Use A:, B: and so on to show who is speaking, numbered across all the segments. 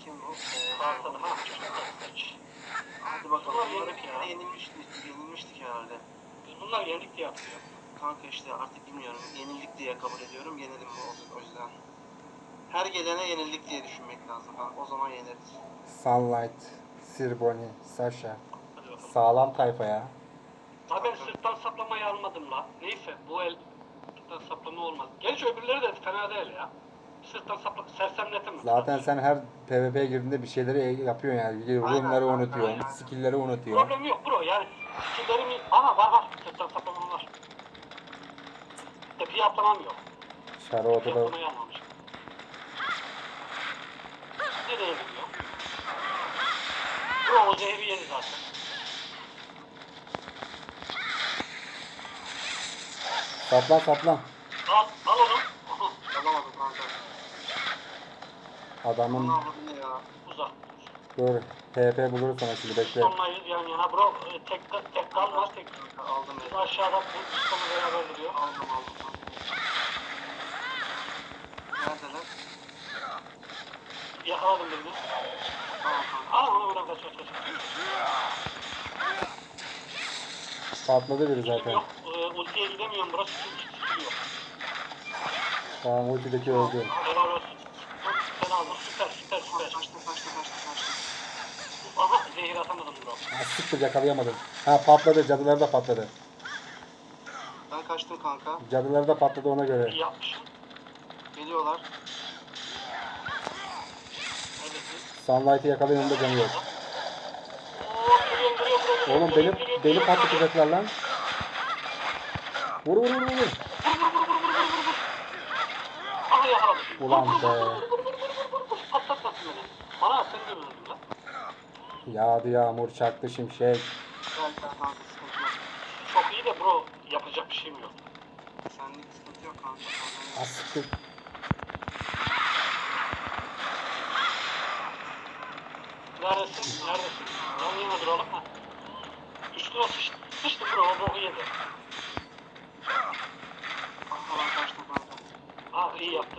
A: Kim bu?
B: Arkada ha çocuk.
A: Hadi bakalım.
B: Bunlar
A: Bunları
B: yendik
A: bir
B: ya.
A: kere yenilmiştik herhalde.
B: Biz bunlar yendik diye yapıyor.
A: Kanka işte artık bilmiyorum. Yenildik diye kabul ediyorum. Yenelim mi o yüzden. Her gelene yenildik diye düşünmek lazım. Ha, o zaman yeneriz.
C: Sunlight, Sirboni, Sasha.
B: Hadi bakalım.
C: Sağlam tayfa ya.
B: Ha ben sırttan saplamayı almadım la. Neyse bu el sırttan saplama olmaz. Gerçi öbürleri de fena değil ya. Sırttan sapla sersemletemem.
C: Zaten sen her PvP'ye girdiğinde bir şeyleri yapıyorsun yani. Runları
A: Aynen,
C: unutuyorsun,
A: aynen.
C: skill'leri unutuyorsun.
B: Problem yok bro yani. Skillerimi... Aha var sırttan saplamam var. Tepeye atlamam yok.
C: Şarı
B: Tepeye
C: ortada.
B: atlamayı almamışım. Nereye gidiyor? Bro o zehri yedi zaten.
C: Saplan saplan.
B: Al onu. Aha,
A: Alamadım kanka.
C: Adamın
A: Bunu almadın ne ya?
B: uzak.
C: dur. PP buluruz sana şimdi bekle.
B: Sonlayız yan yana bro. Tek kalmaz tek.
A: Kanka aldım
B: Biz
A: elini.
B: aşağıda bu sonu beraber duruyor.
A: Aldım kanka. Neredeler?
B: Yakaladım birini.
A: Tamam kanka.
B: Al onu buradan kaç.
C: Patladı biri
B: Kilim
C: zaten.
B: yok. Ultiye gidemiyorum burası çünkü yok.
C: Tamam ultideki öldü.
B: Helal olsun. Sen aldın süper.
A: Kaçtı.
B: Aha zehir atamadım bro.
C: Ha, sıktı yakalayamadım. Ha patladı, cadıları da patladı.
A: Ben kaçtım kanka.
C: Cadıları da patladı ona göre.
B: İyi yapmışsın.
A: Geliyorlar.
B: Evet.
C: Sunlight'ı yakalayın da canı yok.
B: Oo geliyorum.
C: Oğlum beni patlatacaklar lan. Vur.
B: Aha yakaladım.
C: Ulan be.
B: Patlatmasın beni. Bana sen de mi öldün lan?
C: Yağdı yağmur, çaktı şimşek.
A: Gel kanka sıkıntı yok.
B: Çok iyi de bro yapacak bir şeyim yok.
A: Senlik sıkıntı yok kanka.
C: Ha sıktı.
B: Neredesin? Yan yana duralım ha. Üstüne sıçtı bro o boku yedi.
A: Kanka ben kaçtım kanka.
B: Ha iyi yaptın.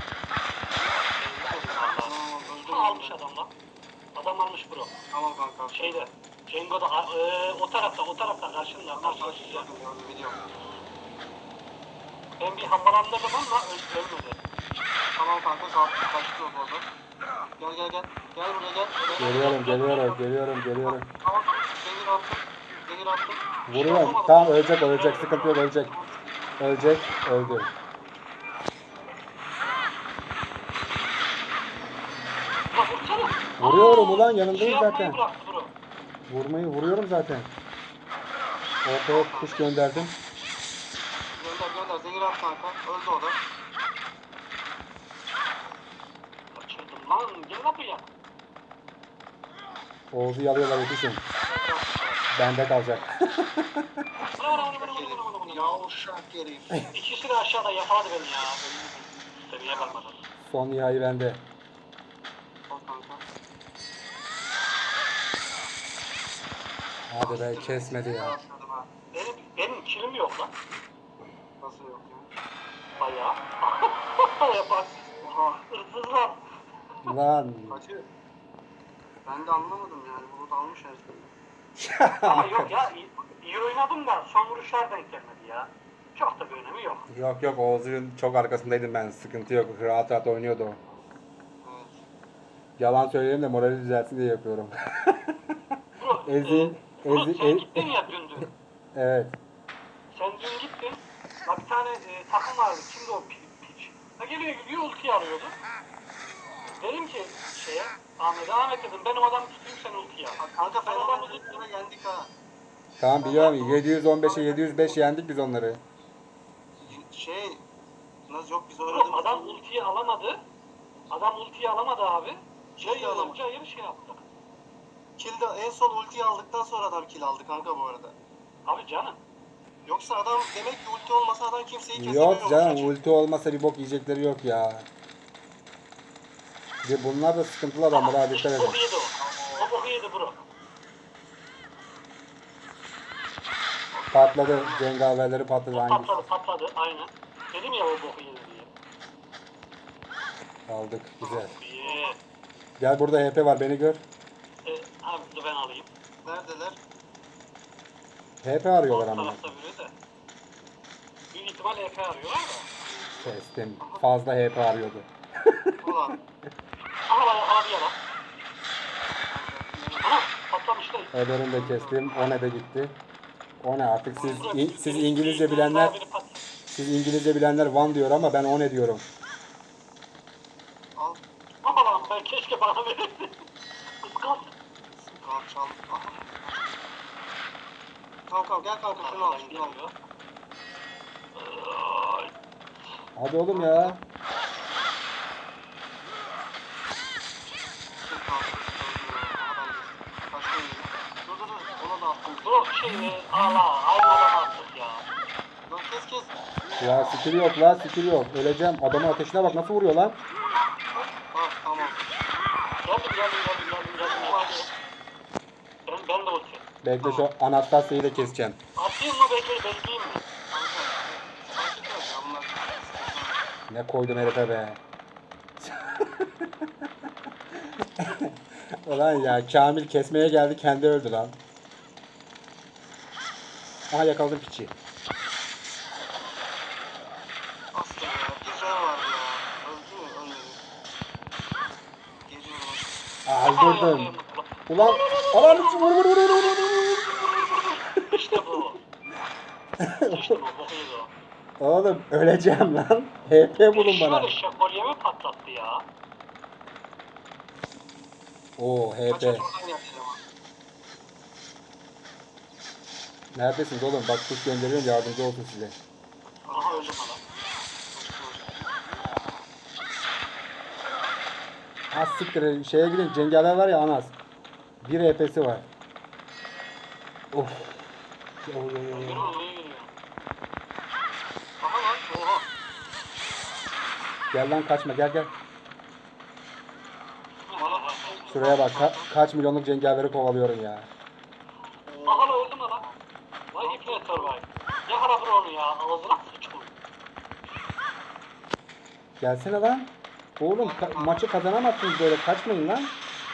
A: Tamam öldüm.
B: Almış adam lan. Adam almış bro.
A: Tamam kanka.
B: Şeyde. Cengo'da o tarafta karşında.
A: Tamam
B: Karşında size.
A: gördüm biliyorum.
B: Ben bir hambalandırdım ama ölmedi.
A: Tamam kanka kaçtı o orada. Gel. Gel buraya gel.
C: Geliyorum.
A: Tamam Zehir attım.
C: Vuruyorum. Tamam ölecek. Sıkıntı yok ölecek. Öldü.
B: Bak vursana.
C: Vuruyorum ulan, yanındayım
B: Şey yapmayı
C: zaten.
B: bıraktı bro.
C: Vuruyorum zaten. Ortaya kuş gönderdim.
A: Gönder. Zehir at kanka. Öldü o da.
B: Kaçırdım lan. Gel lan buraya.
C: Oğuz'u yalıyorlar yetişin. Bende kalacak.
B: Bana.
A: Yavşak herif.
B: İkisi de aşağıda yakaladı beni ya. Seviye kalmadı.
C: Son nihai bende.
A: Al kanka.
C: Hadi be kesmedi ya.
A: Rastladım ha.
B: Benim kilim yok lan.
A: Nasıl yok ya?
B: Bayağı. Yapar.
A: Oha.
B: Hırsızlar.
C: Lan.
A: Kaçı? Ben de anlamadım yani. Bulut almış her şeyi.
B: Ama yok ya. İyi oynadım da son vuruşlar denk gelmedi ya. Çok da bir önemi yok.
C: Yok Oğuz'un çok arkasındaydım ben. Sıkıntı yok. Rahat oynuyordu o.
A: Evet.
C: Yalan söyleyeyim de morali düzelsin diye yapıyorum.
B: Bro,
C: Ezi-
B: sen gittin ya dün.
C: Evet.
B: Sen dün gittin. Ya bir tane takım vardı. Kimdi o piç? Ha geliyor ultiyi arıyordu. Dedim ki Ahmet dedim ben o adamı tutayım sen ultiyi al.
A: Kanka
B: Ben adamı
A: Fenerbahçe'yle yendik ha.
C: Tamam biliyorum. 715'e 705 yendik biz onları.
A: Nasıl yok biz
B: Bro,
A: oynadığımız
B: adam ultiyi alamadı. Abi.
A: Ultiyi alamadı.
B: Cayır şey yaptı.
A: Kill'de en son ultiyi aldıktan sonra adam kill aldı kanka bu arada.
B: Abi canım.
A: Yoksa adam demek ki ulti olmasa adam kimseyi kesemiyormuş.
C: Yok canım ulti olmasa bir bok yiyecekleri yok ya. Ve bunlar da sıkıntılı adamlar ha dikkat edin.
B: Boku yedi o. O boku yedi bro.
C: Patladı. Cengaverleri patladı hangisi?
B: Patladı aynen. Dedim ya o boku yedi diye.
C: Aldık güzel.
B: İyi.
C: Gel burada HP var beni gör.
B: Abi dur ben alayım.
A: Neredeler?
C: HP arıyorlar
B: Sol
C: ama.
B: tarafta biri de. Büyük ihtimal EP arıyorlar da.
C: Kestim. Fazla HP arıyordu.
A: Ulan.
B: Aha lan abi yala. Aha patlamışlar.
C: Öbürünü de kestim. O ne de gitti. O ne artık siz
B: Burası
C: siz
B: biri-
C: İngilizce
B: biri
C: bilenler
B: daha biri pat-
C: siz İngilizce bilenler one diyor ama ben o ne diyorum.
A: Al.
B: Aha lan ben keşke bana verirdi. Kıskanç.
A: Al çal. Aha. Kankam gel kanka şunu al.
B: Arkadan
A: Şunu al.
B: geliyor.
C: Hadi oğlum ya.
A: Dur kanka. Aha ben de. Başka yere. Dur dur dur. Ona da attım.
B: Bro Allah aynı adam attık ya.
A: Lan kes kes.
C: Ya skill yok la skill yok. Öleceğim. Adamın ateşine bak nasıl vuruyor lan.
A: Ah tamam.
B: Geldim. Ben de ulti.
C: Bekle şu Anastasya'yı da keseceğim.
B: Atayım mı bekleyeyim mi?
A: Kanka. Fark etmez ya bunlar.
C: Ne koydum herife be. Ulan ya Kamil kesmeye geldi kendi öldü lan. Aha yakaladım piçi.
A: Aslında ya. Bir can var ya. Öldü mü? Ölmedi. Geliyorum.
C: Öldürdüm. Ulan alan vur.
B: İşte bu. İşte bu. Bok yedi o.
C: Oğlum öleceğim lan. HP bulun bana.
B: Şöyle şakolyemi patlattı ya.
C: Oo
A: Kaç
C: HP.
A: oradan yapacağım ama.
C: Neredesiniz oğlum? Bak kuş gönderiyorum yardımcı olsun size.
B: Aha öldüm adam.
C: Az siktir şeye gidin cengaver var ya Anas. Bir HP'si var. Of.
B: Yürü yürüyor.
A: Aha lan. Oha.
C: Gel lan kaçma gel. Şuraya bak kaç milyonluk cengaveri kovalıyorum ya.
B: Aha lan öldüm adam. Vay ipne survive. Yakala bro onu ya. Ağzına sıçın.
C: Gelsene lan. Oğlum maçı kazanamazsınız böyle kaçmayın lan.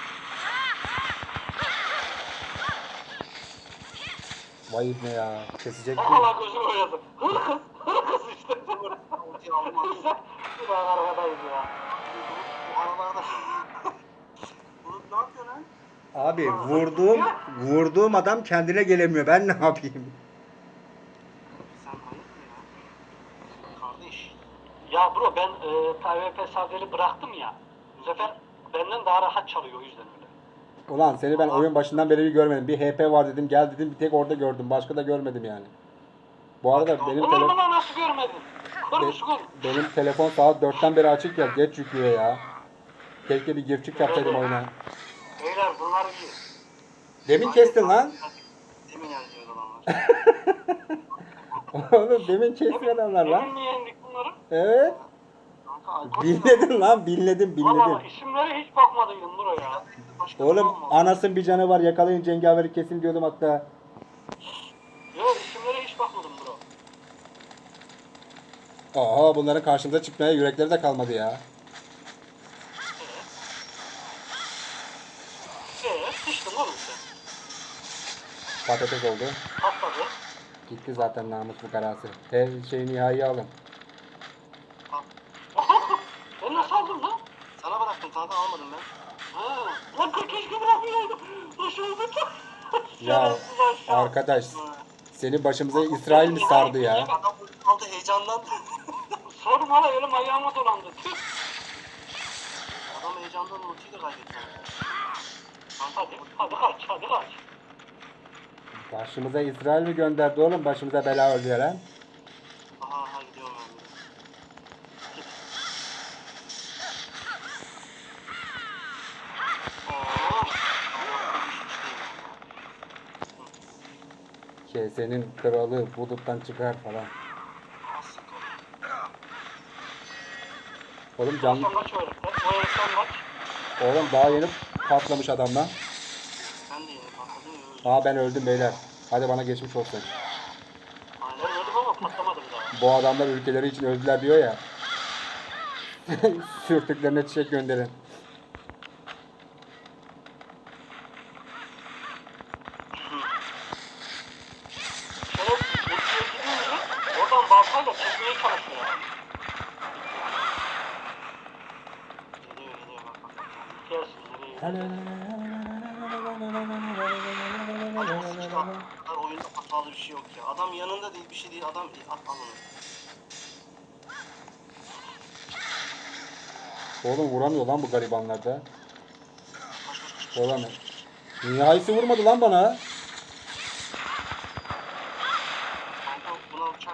C: Vay ne ya kesecek mi?
B: Aha lan gözüm oynadı. Hırkız işte.
A: Ultiyi aldım aldım.
B: Bir arkadayız ya.
A: Bu aralarda. Bulut ne yapıyor lan?
C: Abi vurduğum adam kendine gelemiyor. Ben ne yapayım?
A: Sen hayırdır ya? Kardeş.
B: Ya bro ben PvP sardeli bıraktım ya. Bu sefer benden daha rahat çalıyor o yüzden öyle.
C: Ulan seni ben oyun başından beri bir görmedim. Bir HP var dedim gel dedim bir tek orada gördüm. Başka da görmedim yani. Bu arada
B: Olur mu lan nasıl görmedin? Kırmış gül.
C: benim telefon saat 4'ten beri açık ya geç yüklüyor ya. Keşke bir gir çık yapsaydım oyuna.
B: Beyler bunlar iyi.
C: Demin kestin lan.
A: Demin yazıyor adamlar.
C: Oğlum demin kestin adamlar
B: Emin
C: lan.
B: mi yendik bunları?
C: Evet.
A: Kanka alkol
C: Binledin lan binledim.
B: Valla isimlere hiç bakmadıydım buraya.
A: başka
C: Oğlum
A: zaman mı?
C: anasın bir canı var yakalayın cengaveri kesin diyordum hatta.
B: Yok isimlere hiç bakmadım bro.
C: Aha bunların karşımıza çıkmaya yürekleri de kalmadı ya.
B: Sıçtın oğlum sen.
C: Patates oldu.
B: Patladı.
C: Gitti zaten namus bu karası. Nihai alın.
B: Ben nasıl aldım lan?
A: Sana bıraktım kanka almadım ben.
B: Ha. Lan keşke bırakmayaydım. Aşağıda.
C: Ya arkadaş seni başımıza İsrail mi sardı ya?
A: Adam aldı heyecandan.
B: Sorma hala elim ayağıma dolandı. Tüh.
A: Adam heyecandan ultiyi de kaybetti.
B: Hadi kaç.
C: Başımıza İsrail mi gönderdi oğlum? Başımıza bela oluyor lan.
A: Aha gidiyorum ben.
C: Senin kralı buluttan çıkar falan. Oğlum canlı...
B: Son kaç öğretmen? O öğretmen kaç?
C: Oğlum daha yeni patlamış adamla.
A: Ben de yeni patladım ya öldüm.
C: Aa ben öldüm beyler. Hadi bana geçmiş olsun.
B: Ben öldüm ama patlamadım daha.
C: Bu adamlar ülkeleri için öldüler diyor ya. Sürtüklerine çiçek gönderin.
B: Gelsin nereye gidiyor?
A: Kadar oyunda hatalı bir şey yok ya. Adam yanında değil, bir şey değil. Adam at al onu.
C: Oğlum vuramıyor lan bu garibanlarda.
A: Koş koş koş.
C: Vuramıyor. Nihayesi vurmadı lan bana.
A: Kanka buna uçak.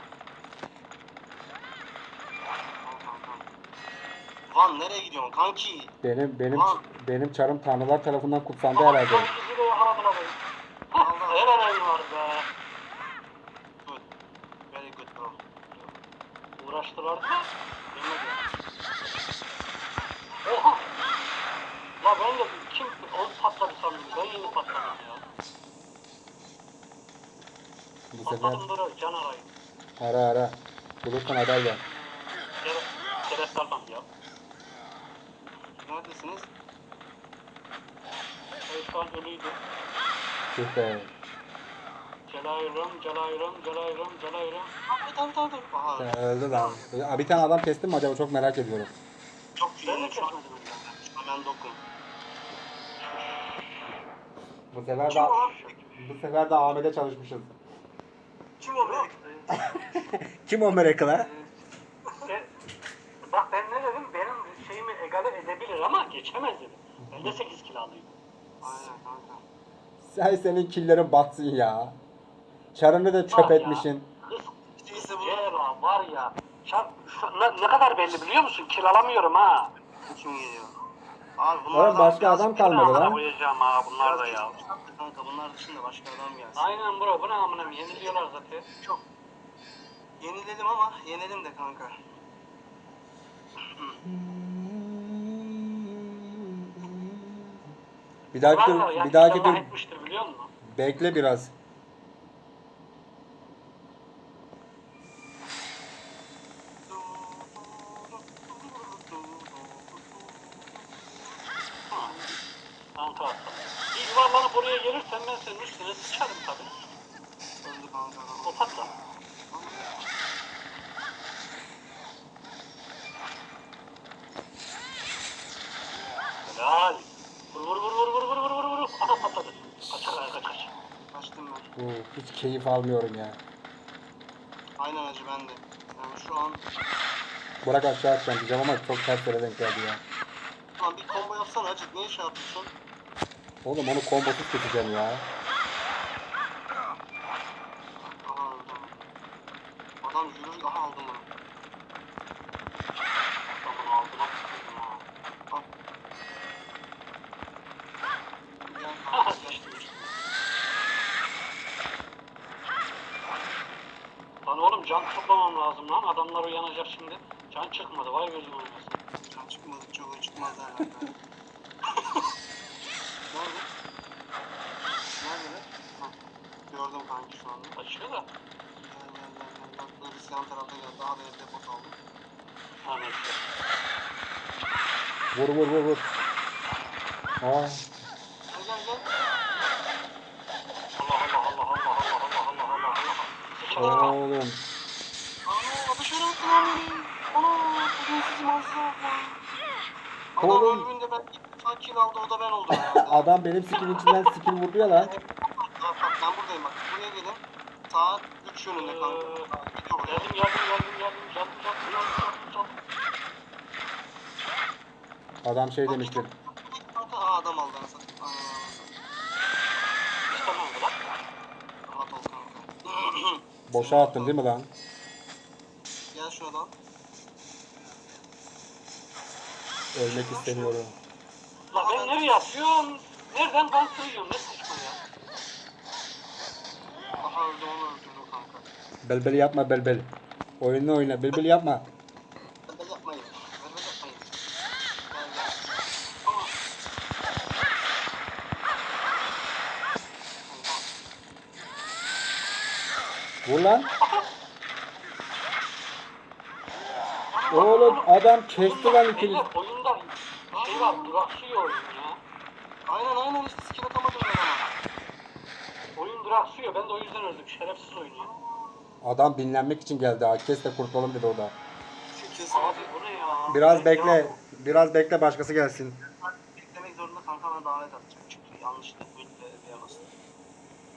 A: Tamam. Van nereye gidiyorsun kanki?
C: Benim çarım tanrılar tarafından kutsandı
B: Aha,
C: herhalde.
B: son ikisi de yakaladılar beni. Hah, helal elin var be.
A: Good. Very good bro.
B: Uğraştılar da yemedi. Oha! La ben de kim o patladı sandım. Ben yeni patladım ya.
C: Bu sefer
B: Patladım böyle can arayın.
C: ara. Bulursan haber ver.
B: Şerefli adam ya.
A: Neredesiniz?
B: Ben şu an ölüydü.
C: Tüh be.
B: Celayırım.
A: Tamam. Aha.
C: Öldü lan. Bir tane adam kestim mi acaba, çok merak ediyorum.
A: Çok
B: Ben de
A: iyi. Şu an
B: kesmedim ya.
A: hemen dokun.
C: Bu sefer de Ahmet'e çalışmışız.
A: Kim o be?
C: Kim o merakla?
B: Bak ben ne dedim? Benim şeyimi egale edebilir ama geçemez dedim. Ben de 8 kilo alayım.
A: Aynen kanka.
C: Senin killerin batsın ya. Çarını da çöp
B: Var ya,
C: etmişsin.
B: Kız
A: İşte bu.
B: Cera var ya. Ne kadar belli biliyor musun? Kil alamıyorum ha.
A: Kim geliyor? Abi
C: Oğlum
A: bunlardan
C: başka adam kalmadı
B: Amına
C: lan.
B: koyacağım ha bunlar da ya.
A: Kanka bunlar dışında başka adam gelsin.
B: Aynen bro bu ne amına yeniliyorlar zaten.
A: Çok. Yenilelim ama yenelim de kanka.
C: Bir dahaki
B: Var
C: tur,
B: ya,
C: bir dahaki
B: inşallah
C: tur
B: etmiştir biliyor musun?
C: bekle biraz.
B: Kanka atalım. Bir yuvarlanıp oraya gelirsen ben senin üstüne sıçarım tabi.
A: Öldü kanka.
B: O patla. Helal. Vur. Aha patladı. Kaç.
A: Kaçtım ben.
C: Hiç keyif almıyorum ya.
A: Aynen acı ben de. Yani şu an
C: Burak aşağı atacağım diyeceğim ama çok ters yere denk geldi ya.
A: lan bir combo yapsana acı. Niye şey yapıyorsun?
C: Oğlum onu kombosuz keseceğim ya.
A: Aha öldü. Adam yürür. Aha aldım bunu.
B: Adamın aldığına sıkıldım ha.
A: Al. Gel
B: Aha
A: kanka. Gel.
B: sıçtım. Lan oğlum can toplamam lazım lan. Adamlar uyanacak şimdi. Can çıkmadı. Vay gözüm olmasın.
A: Can çıkmadı. Çok çıkmaz herhalde. Nerede? Nerede? Hah. Gördüm kanki şu anda.
B: Kaçıyor da.
A: Gel. Birisi yan tarafta geldi. Daha da evde pot aldım.
B: Ha neyse.
C: Vur. Aa,
A: Gel.
B: Allah. Sıçarım.
C: oğlum.
A: Ana dışarı attı lan beni. Ana bugün sizi mazda lan. Adam
C: Oğlum.
A: ölümünde ben ilk kill aldı o da ben oldum herhalde.
C: Adam benim skill'in içinden skill vurdu ya lan.
A: Bak ben buradayım bak. Buraya gelin. Saat 3 yönünde kanka. Gidiyor buraya.
B: Geldim. Can.
C: Adam şey demiştir.
A: Kanka adam aldı anasını. Aynen.
B: İstemem lan.
A: Rahat ol kanka.
C: Boşa attın değil mi lan?
A: Gel şuradan.
C: Ölmek istemiyorum.
B: La ben nereye yapıyorum? Nereden kan kırıyorum? Ne saçma ya.
A: Aha öldü onu öldürdüm kanka.
C: Belbel yapma belbel. Oyununu oyna. Belbel yapma.
A: Bebe yapmayın. Bebe yapmayın. Gel.
C: Vur lan. Oğlum adam kesti lan ikiniz.
B: Beyler, oyunda şey var, duraksıyor oyun ya.
A: Aynen işte skill atamadım ben ama.
B: Oyun duraksıyor, ben de o yüzden öldüm. Şerefsiz oyun ya.
C: Adam dinlenmek için geldi. Ha. Kes de kurtulalım dedi orada.
A: Şu kesin
B: Abi bu ne ya?
C: Biraz bekle. Başkası gelsin.
A: beklemek bana davet atacak çünkü yanlışlıkla ultiyle bir bastım.